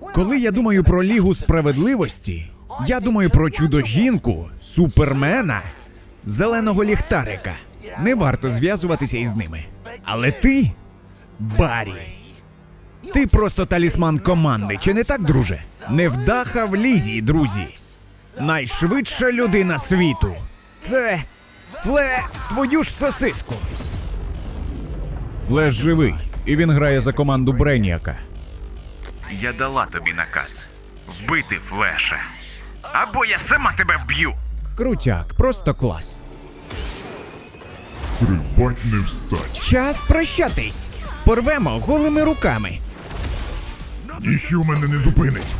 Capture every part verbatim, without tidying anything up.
Коли я думаю про Лігу Справедливості, я думаю про чудо-жінку, Супермена, зеленого ліхтарика. Не варто зв'язуватися із ними. Але ти, Баррі, ти просто талісман команди, чи не так, друже? Невдаха в лізі, друзі. Найшвидша людина світу. Це Фле... твою ж сосиску. Флеш живий, і він грає за команду Бреніака. Я дала тобі наказ вбити Флеша. Або я сама тебе вб'ю. Крутяк, просто клас. Стрибать не встать. Час прощатись. Порвемо голими руками. Ніщо мене не зупинить.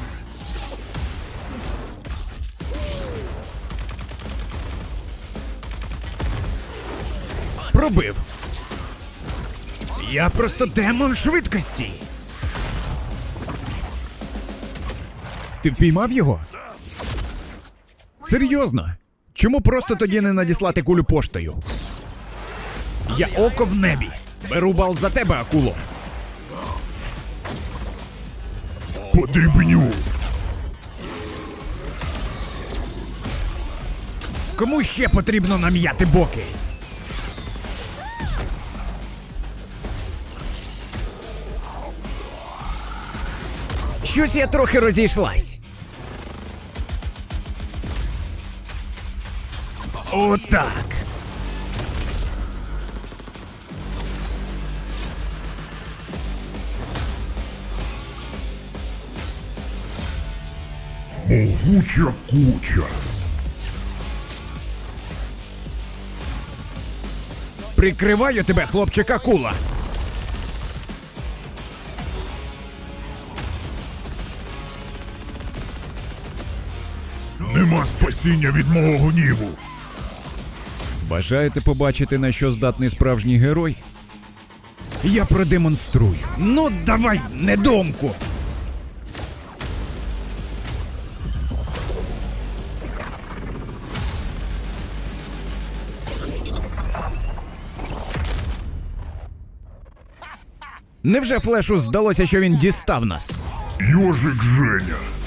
Пробив. Я просто демон швидкості. Ти впіймав його? Серйозно? Чому просто тоді не надіслати кулю поштою? Я око в небі. Беру бал за тебе, акуло. Подрібню. Кому ще потрібно нам'яти боки? Щось я трохи розійшлась. Отак. Могуча куча. Прикриваю тебе, хлопчик акула. Нема спасіння від мого гніву. Бажаєте побачити, на що здатний справжній герой? Я продемонструю. Ну, давай, недоумку! Невже Флешу здалося, що він дістав нас? Йожик Женя.